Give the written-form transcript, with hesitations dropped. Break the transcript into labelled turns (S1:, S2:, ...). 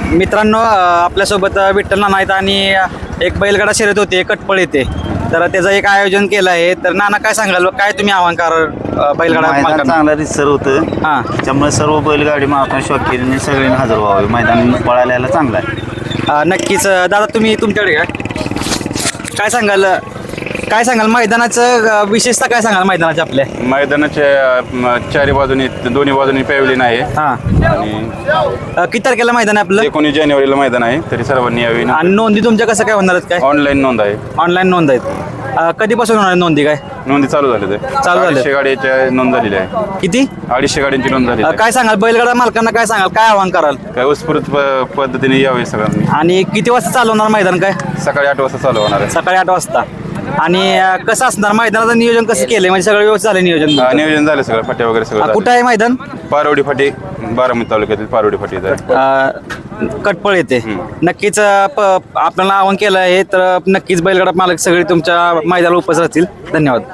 S1: मित्रांनो आपल्यासोबत विठ्ठल नाना आहेत आणि एक बैलगाडा शर्यत होते कटपळ येते तर त्याचं एक आयोजन केलं आहे. तर नाना काय सांगाल, काय तुम्ही आव्हान कराल बैलगाडा
S2: मैदान
S1: मालकांना?
S2: चांगला रिसर होतं.
S1: हां
S2: त्यामुळे सर्व बैलगाडी मालकांनी शौकीने सगळ्यांनी हजर व्हावे. मैदान पळायला यायला चांगलं आहे.
S1: नक्कीच दादा तुम्ही तुमच्याकडे काय सांगाल, काय सांगाल मैदानाचं विशेषता, काय सांगाल मैदानाच्या आपल्या?
S3: मैदानाच्या चारी बाजूनी दोन्ही बाजूनी पॅव्हलियन आहे
S1: हां
S3: आणि
S1: किती तारखेला मैदान आहे आपलं?
S3: 19 जानेवारीला मैदान आहे. तरी सर्वांनी यावे.
S1: आणि नोंदी तुमच्या कसं काय होणार आहेत, काय
S3: ऑनलाईन नोंद आहे.
S1: ऑनलाईन नोंद आहेत? कधीपासून होणार आहे नोंदी, काय
S3: नोंदी चालू झाले ते
S1: चालू झाले.
S3: 250 गाड्याच्या नोंद झालेली आहे.
S1: किती?
S3: 250 गाड्यांची नोंद झाली आहे.
S1: काय सांगाल बैलगाडा मालकांना, काय सांगाल, काय आव्हान कराल?
S3: काय उत्स्फूर्त पद्धतीने यावे सगळ्यांनी.
S1: आणि किती वाजता चालू होणार मैदान, काय?
S3: सकाळी 8 वाजता चालू होणार आहे.
S1: सकाळी 8 वाजता. आणि कसं असणार मैदानाचं नियोजन, कसं केलंय, म्हणजे सगळं व्यवस्थित झालं नियोजन तुमचं?
S3: नियोजन झालं सगळं, फाट्या वगैरे सगळं
S1: कुठं आहे मैदान?
S3: पारवडी फाटी, बारामती तालुक्यातील पारवडी फाटी आहे.
S1: कटपळ येते. नक्कीच आपल्याला आवाहन केलं आहे, तर नक्कीच बैलगाडा मालक सगळे तुमच्या मैदानाला उपस्थित राहतील. धन्यवाद.